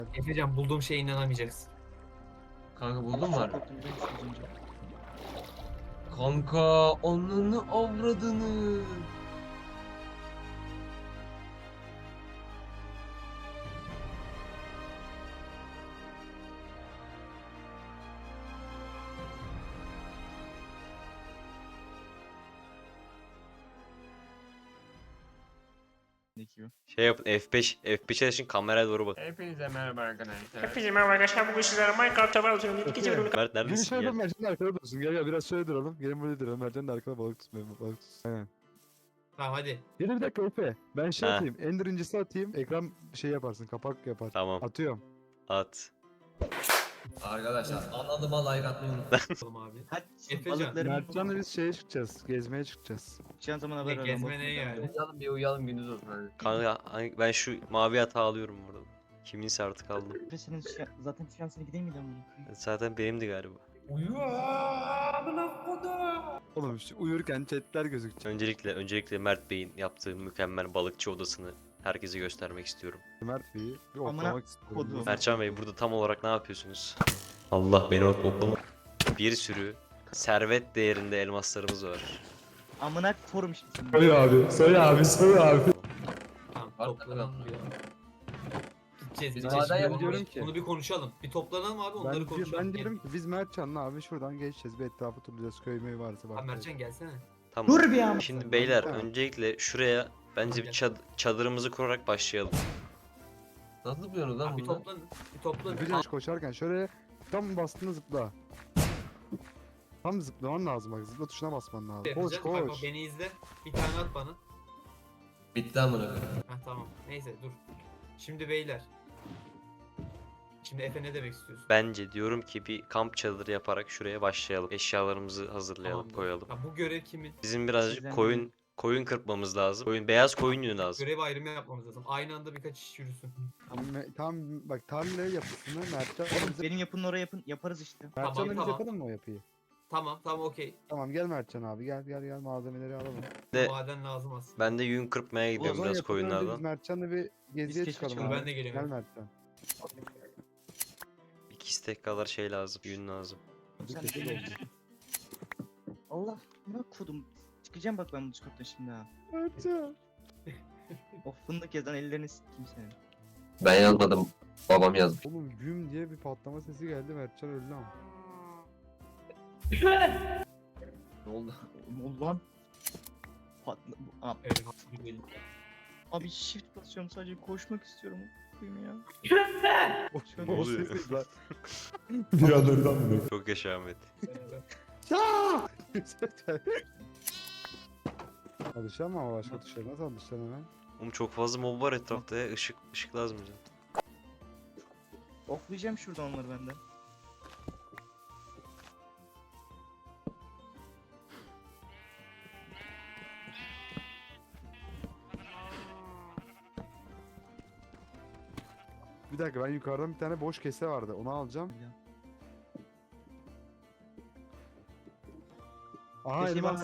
Efecan bulduğum şeye inanamayacaksın. Kanka buldun mu harbi? Korktum biliyor musun az önce? Kanka onunu avradını. Ne ki o? Şey yapın F5 çalışın kameraya doğru bak. Hepinize merhaba arkadaşlar. Hepinize merhaba arkadaşlar. Bugün sizlere Minecraft'ta bağlıyorum. İkinci bölümü Mert Gelin neredesin şöyle ya? Mertcan'ın arkada dursun. Gel biraz şöyle duralım. Gelin böyle duralım. Mertcan'ın arkada balık tutmayalım. Balık tutsun. Aynen. Tamam hadi. Gelin bir dakika Efe. Ben şey Ha. atayım. Ender incisi atayım. Ekran şey yaparsın. Kapak yapar. Tamam Atıyorum. at. Arkadaşlar anladıma like atmayı unutmayın. Oğlum abi. Hadi Efecan, balıklarımı Mertcan'la biz şeye çıkacağız. Gezmeye çıkacağız. çıkacağın zaman haber ver. Gezme neye yani? Uyuyalım bir uyuyalım gündüz olsun hadi. Kanka ben şu mavi hata alıyorum burada. Kiminse artık aldım. Efe senin zaten şansına gideyim miydi amına koyayım? Zaten benimdi galiba. Uyu amına kodum. Oğlum şu uyurken chatler gözükecek. Öncelikle Mert Bey'in yaptığı mükemmel balıkçı odasını herkese göstermek istiyorum. Mert Bey'i bir Amına oklamak istiyorum. kodum. Mertcan Bey burada tam olarak ne yapıyorsunuz? Allah beni oklama. Bir sürü servet değerinde elmaslarımız var. Amına forum şimdi senin. Söyle abi. Söyle abi. Söyle abi. Tamam Var toplanalım mı? ya. Gideceğiz. Biz gideceğiz. maden Şimdi yapıyoruz bunu- ki. Bunu bir konuşalım. Bir toplanalım abi onları Ben konuşalım. diyorum ki biz Mertcan'la abi şuradan geçeceğiz. Bir etrafı turlayacağız. Köy meyi varsa Abi bak. Mertcan gelsene. Tamam. Dur bir an. Şimdi beyler Tamam. öncelikle şuraya bence bir çadırımızı kurarak başlayalım. Nasıl yapıyorsunuz lan Abi bir bunu? toplanın. Bir toplanın. Yapacağız koşarken şöyle tam bastığında zıpla. Tam zıplaman lazım bak. Zıpla tuşuna basman lazım. Koş Efecan, bak, bak koş. beni izle. Bir tane at bana. Bitti amına. Heh tamam. Neyse dur. Şimdi beyler. Şimdi Efe ne demek istiyorsun? Bence diyorum ki bir kamp çadırı yaparak şuraya başlayalım. Eşyalarımızı hazırlayalım, Tamamdır. koyalım. Ha, bu görev kimin? Bizim birazcık Sizden koyun kırpmamız lazım. Beyaz koyun yünü lazım. Görev ayrımı yapmamız lazım. Aynı anda birkaç iş yürüsün. Tam bak tarla yapısını Mertcan. Oğlum benim yapının oraya yaparız işte. Mertcan'la biz tamam. yapalım mı o yapıyı? Tamam okey. Tamam gel Mertcan abi gel malzemeleri alalım. De- Maden lazım aslında. Ben de yün kırpmaya O gidiyorum zaman biraz yapıdan önce biz koyunlardan. Mertcan'la bir geziye keşke çıkalım çıkalım, abi. ben de geliyorum. Gel Mertcan. 2 istek kadar şey lazım, yün lazım. Bir Sen kesin de- oldu. Allah amına kodum. Çıkacağım bak ben bu Discord'dan şimdi ha. Mertcan. O fındık yazan ellerini sikeyim senin. Ben yazmadım. Babam yazmış. Oğlum güm diye bir patlama sesi geldi Mertcan öldü ama. Ne oldu? Ulan. Patla... Abi, Evet, haklı değil. abi shift basıyorum sadece koşmak istiyorum. Koyayım ya. Ne oluyor? Bir an oradan mı? Çok yaşa Ahmet. Alışamam ama başka tuşlara nasıl alışacaksın hemen? Oğlum çok fazla mob var etrafta ya. Işık lazım bize. Oklayacağım şuradan onları benden. Bir dakika ben yukarıdan bir tane boş kese vardı onu alacağım. Aha Keseyim elmas. abi.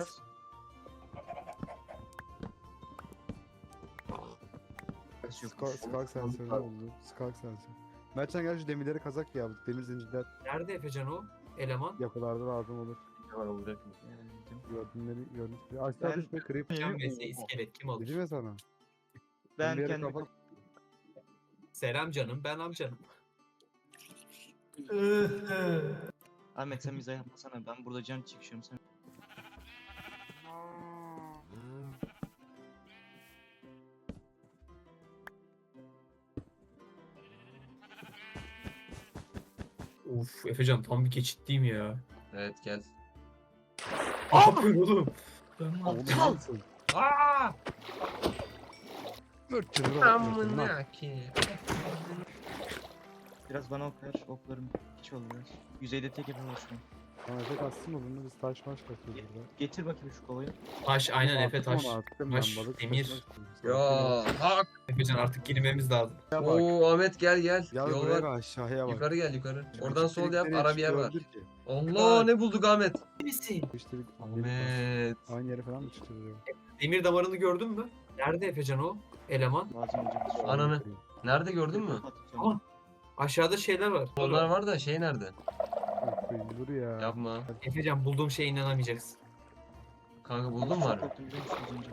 Skalk sensörü oldu. Skalk sensörü. Mertcan gel şu demirleri kazak ya. Demir zincirler Nerede Efecan o? Eleman. yapılarda lazım olur. Ne var olacak mı? Gördüğünleri gördük. Aşağı Ben- düşme kırıp. Can vs iskelet kim alır? Dedim ya sana. Ben bir yere kendim... kapat- Selam canım ben amcanım. Ahmet sen bize yapmasana ben burada can çekişiyorum sen. Uf Efecan tam bir geçitliyim ya. Evet gel. Ne yapıyorsun oğlum? Aptal. Aaa! Amına ki. Biraz bana ok ver oklarım hiç olur biraz. Yüzeyde tek yapamaz şu an. Tamam Efe kastım mı bunu biz taş maş katıyoruz burada. Getir bakayım şu kovayı. Taş aynen Efe Attım taş. onu, attım Taş, ben, balık demir. taşına attım. Ya hak. Efecan artık girmemiz lazım. Ya bak. Oo Ahmet gel gel. Gel Yol buraya var. bak aşağıya bak. Yukarı gel yukarı. Oradan sol yap Elektrikleri ara bir yer var. çıkıyordur ki. Allah ne bulduk Ahmet? Misin? İşte bir Ahmet. aynı yere falan mı çıkıyor? Demir damarını gördün mü? Nerede Efecan o? Eleman. Lazım olacak. Ananı. Nerede gördün mü? Atacağım. Aşağıda şeyler var. Onlar var da şey nerede? Yok, dur ya. Yapma. Efecan bulduğum şeye inanamayacaksın. Kanka Allah, buldun mu çok harbi? korktum biliyor musun az önce?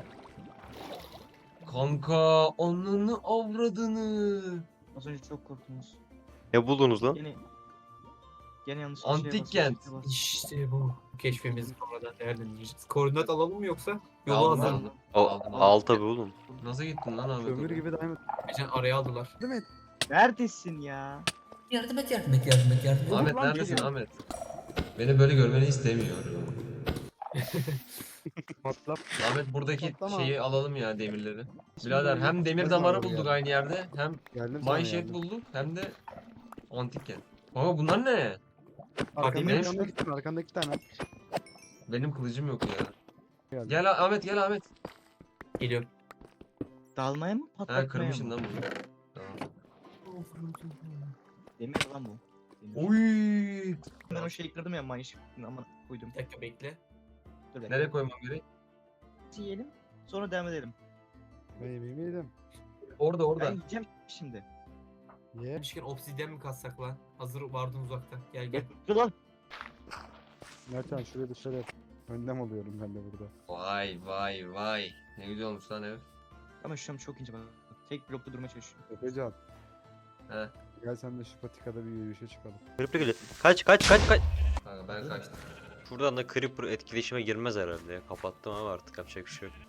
Kanka onunu avradını. Az önce çok korktunuz. Ne buldunuz lan? Gene yanlış bir şeye Antik bastım, kent. shift'e bastım. İşte bu. Keşfimizi sonradan değerlendireceğiz. Koordinat alalım mı yoksa? Yolu Aldım, hazır. aldım. Al tabi oğlum. Nasıl gittin lan abi? Kömür gibi diamond. Efecan araya aldılar. Değil mi? Neredesin ya? Yardım et, yardım et, yardım et, yardım et. Ahmet Ulan neredesin geliyor. Ahmet? Beni böyle görmeni istemiyorum. Patlap. Ahmet buradaki Patlama. şeyi alalım ya demirleri. Şimdi Birader böyle hem demir ne damarı zaman bulduk geldi? aynı yerde hem Geldim sana mineshaft geldim. bulduk hem de antik kent. Ama bunlar ne? Arkanda benim- arkanda iki tane, arkanda iki tane. Benim kılıcım yok ya. Geldim. Gel Ahmet gel Ahmet. Geliyor. Dalmaya mı Ha patlatmaya kırmışsın mı? lan bunu. Tamam. Demir lan bu. Demir. Oy. Ben o şeyi kırdım ya Minecraft'ın ama koydum. Bir dakika bekle. Dur bekle. Nereye koymam gerek? Yiyelim. Sonra devam edelim. Ben yemeğimi yedim. Orada orada. Ben yiyeceğim şimdi. Ye. Demişken obsidyen mi kassak lan? Hazır vardın uzakta. Gel gel. Dur lan. Mertcan şuraya dışarı yap. Öndem oluyorum ben de burada. Vay vay vay. Ne güzel olmuş lan ev. Ama şu an çok ince bak. Tek blokta durmaya çalışıyorum. Efecan. He. Gel sen de şu patikada bir yürüyüşe çıkalım. Creeper geliyor. Kaç. Kanka ben kaçtım. Şuradan da Creeper etkileşime girmez herhalde ya. Kapattım ama artık yapacak bir şey yok.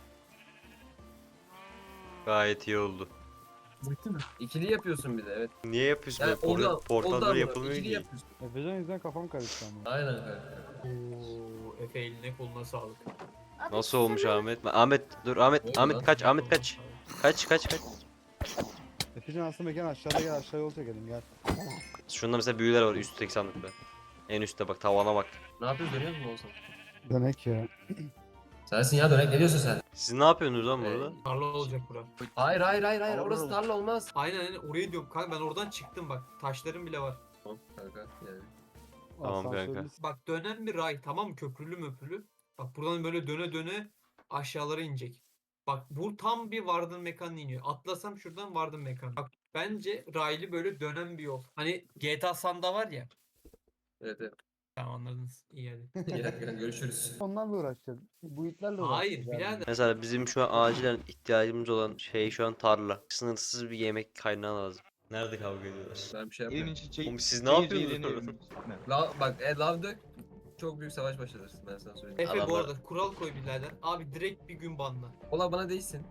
Gayet iyi oldu. Bitti mi? İkili yapıyorsun bir de evet. Niye yapıyorsun Yani böyle? oldu Portalları amına, yapılmıyor ikili ki. yapıyorsun. Efecan yüzünden kafam karıştı ama. Aynen kanka. Oo, Efe eline koluna sağlık. Nasıl olmuş Ahmet? Ahmet dur Ahmet. Oldu Ahmet lan. kaç. Ahmet kaç. Kaç. Efecan aslında mekan aşağıda, gel aşağıya yol çekelim gel. Şunda mesela büyüler var üstteki sandıkta. En üstte bak tavana bak. Ne yapıyoruz dönüyor musun olsan? Dönek ya. Sensin ya dönek ne diyorsun sen? Siz ne yapıyorsunuz lan burada? Tarla olacak bura. Hayır Olur, orası olur. tarla olmaz. Aynen orayı diyorum kanka ben oradan çıktım bak. Taşlarım bile var. Tamam kanka yani. Tamam kanka. Asansörlü Bak dönen bir ray tamam mı? Köprülü möprülü. Bak buradan böyle döne döne aşağılara inecek. Bak bu tam bir Warden mekanına iniyor. Atlasam şuradan Warden mekanı. Bak bence raylı böyle dönen bir yol. Hani GTA San'da var ya. Evet. Tamam anladınız. İyi hadi. İyi görüşürüz. Onlarla uğraşacağız. Bu itlerle Hayır uğraşacağız. birader. Mesela bizim şu an acilen ihtiyacımız olan şey şu an tarla. Sınırsız bir yemek kaynağı lazım. Nerede kavga ediyorlar? Ben bir şey Evimin yapmıyorum. içi Oğlum siz ne yapıyorsunuz? evimin. Lav dök. Çok büyük savaş başlatır ben sana söyleyeyim. Efe bu Adamlar- arada kural koy birader. Abi direkt bir gün banla. Ola bana değilsin.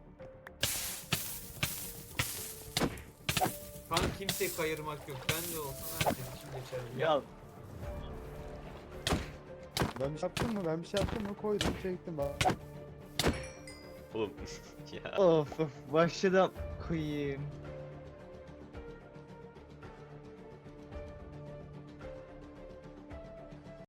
Kanka kimseyi kayırmak yok. Ben de olsam herkes için geçerli. Ya Ben bir şey yaptım mı? Ben bir şey yaptım mı? Koydum çektim bak. Oğlum ya. of başladım koyayım.